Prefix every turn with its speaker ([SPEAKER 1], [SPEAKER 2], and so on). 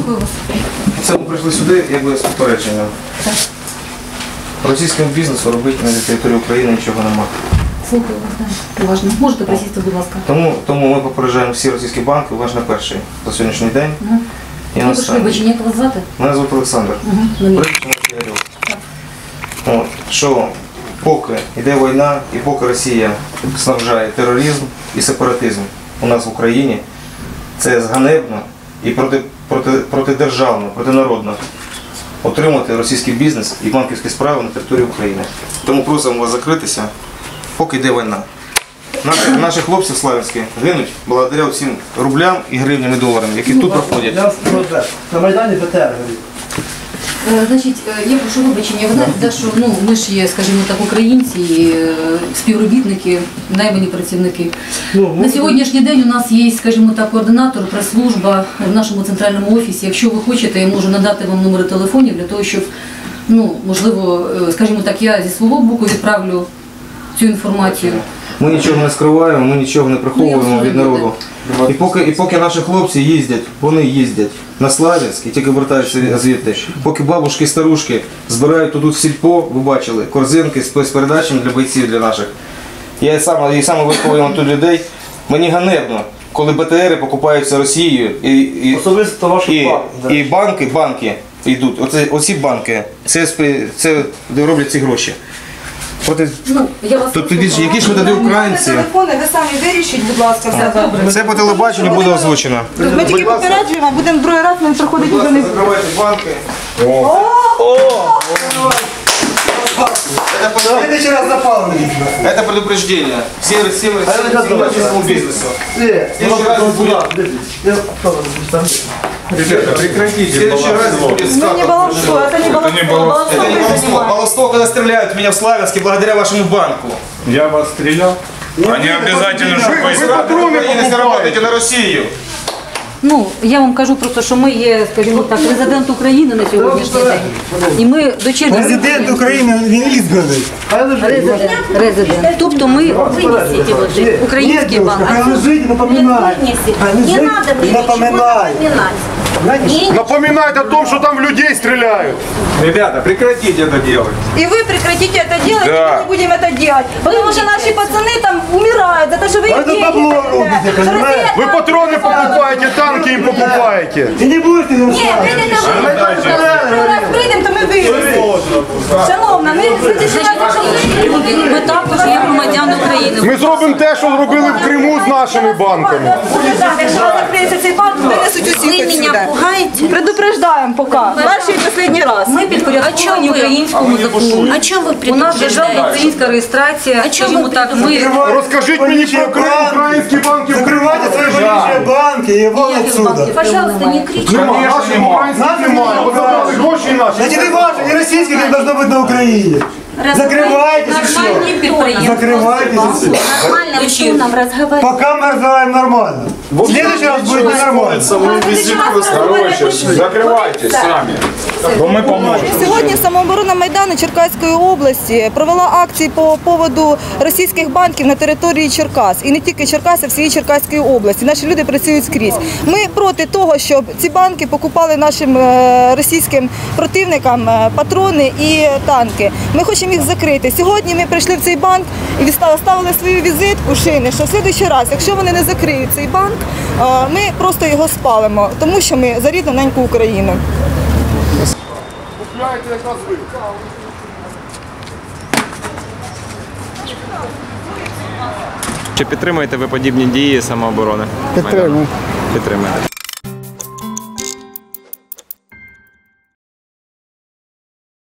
[SPEAKER 1] Слухаю вас.
[SPEAKER 2] Це ми прийшли сюди, якби з попередженням. Російському бізнесу робити на території України нічого немає.
[SPEAKER 1] Слухаю вас, так. Уважно. Можете присісти, будь ласка.
[SPEAKER 2] Тому ми попереджаємо всі російські банки, уважно перший за сьогоднішній день. І
[SPEAKER 1] Ви прийшли, вибачення, як вас звати?
[SPEAKER 2] Мене звати Олександр. От, що поки йде війна і поки Росія снабжає тероризм і сепаратизм у нас в Україні, це зганебно і протидержавно, протинародно отримати російський бізнес і банківські справи на території України. Тому просимо вас закритися, поки йде війна. Наші хлопці славянські гинуть благодаря всім рублям і гривням і доларам, які тут проходять.
[SPEAKER 3] На Майдані БТР горить.
[SPEAKER 1] Значить, я прошу вибачення, ви знаєте, що ми ж є, скажімо так, українці, співробітники, наймані працівники. На сьогоднішній день у нас є, скажімо так, координатор, прес-служба в нашому центральному офісі. Якщо ви хочете, я можу надати вам номери телефонів для того, щоб, можливо, скажімо так, я зі свого боку відправлю цю інформацію.
[SPEAKER 2] Ми нічого не скриваємо, ми нічого не приховуємо від народу. І поки наші хлопці їздять, вони їздять на Славянськ і тільки вертаються звідти. Поки бабушки і старушки збирають тут в сільпо, ви бачили, корзинки з спецпередачами для бойців, для наших. Я саме виховую тут людей. Мені ганебно, коли БТРи покупаються Росією і банки йдуть. Оці банки, це де роблять ці гроші. Які ж ми тоді українці?
[SPEAKER 4] Телефони, ви самі вирішіть, будь ласка, все.
[SPEAKER 2] Це по телебаченню буде озвучено.
[SPEAKER 4] Ми тільки попереджуємо, будемо другий раз, ми приходимо до них.
[SPEAKER 2] Закривайте банки.
[SPEAKER 3] Следующий раз запалили.
[SPEAKER 2] Это предупреждение всем российскому бизнесу. Ребята, прекратите. В следующий раз будет
[SPEAKER 4] Мы не баловство, это не баловство.
[SPEAKER 2] Это не баловство. Баловство, когда стреляют в меня в Славянске благодаря вашему банку.
[SPEAKER 5] Я вас стрелял? Они обязательно, чтобы
[SPEAKER 2] Вы заработаете на Россию.
[SPEAKER 1] Я вам кажу просто, що ми є, скажімо так, президент України на сьогоднішній день. І ми дочерні...
[SPEAKER 3] Президент України, він ізбраний.
[SPEAKER 1] Резидент. Тобто ми український банк.
[SPEAKER 3] Лежить, напоминай.
[SPEAKER 6] Не надо мне ничего напоминать.
[SPEAKER 5] напоминает о том, что там в людей стреляют.
[SPEAKER 7] Ребята, прекратите это делать.
[SPEAKER 4] И вы прекратите это делать, и мы не будем это делать. Потому что наши пацаны там умирают за то, что вы их деньги.
[SPEAKER 5] Вы патроны покупаете, танки им покупаете.
[SPEAKER 3] Ти не будеш ти
[SPEAKER 4] Ні, ми раз прийдемо, то ми вирішимо. Шановна, ми
[SPEAKER 1] Ми також є громадяни України.
[SPEAKER 5] Ми зробимо те, що зробили в Криму з нашими банками.
[SPEAKER 4] якщо закриється цей банк, винесуть усіх
[SPEAKER 6] Вы меня
[SPEAKER 4] сюди.
[SPEAKER 6] пугаете?
[SPEAKER 4] Предупреждаємо поки. Перший і останній раз.
[SPEAKER 1] Ми підпорядковані українському закону.
[SPEAKER 6] О чем вы
[SPEAKER 1] У нас державна
[SPEAKER 6] предупреждаете?
[SPEAKER 1] українська реєстрація, скажімо так, ми...
[SPEAKER 5] Розкажіть мені про українські банки в Криму.
[SPEAKER 3] Закривайте свої політичні банки і вон отсюда.
[SPEAKER 6] Пожалуйста, не кричите.
[SPEAKER 5] Нема, наших українських немає. От забрали гроші наші.
[SPEAKER 3] Значить, не важно, не російських, не должно бути на Україні. Закривайтесь і все.
[SPEAKER 1] Нормальні підприємства.
[SPEAKER 3] Закривайтесь і все.
[SPEAKER 6] Нормальным тоном разговаривать.
[SPEAKER 3] Пока мы разговариваем нормально. В следующий раз будет ненормально.
[SPEAKER 5] Короче, закривайтесь самі. Бо ми поможемо.
[SPEAKER 4] Сьогодні самооборона Майдану Черкаської області провела акції по поводу російських банків на території Черкас. І не тільки Черкас, а всієї Черкаської області. Наші люди працюють скрізь. Ми проти того, щоб ці банки покупали нашим російським противникам патрони і танки. Ми хочемо їх закрити. Сьогодні ми прийшли в цей банк і ставили свою візитку шини, що в наступний раз, якщо вони не закриють цей банк, ми просто його спалимо, тому що ми за рідну неньку Україну.
[SPEAKER 8] Чи підтримуєте ви подібні дії самооборони?
[SPEAKER 3] Підтримую.
[SPEAKER 8] Підтримуєте.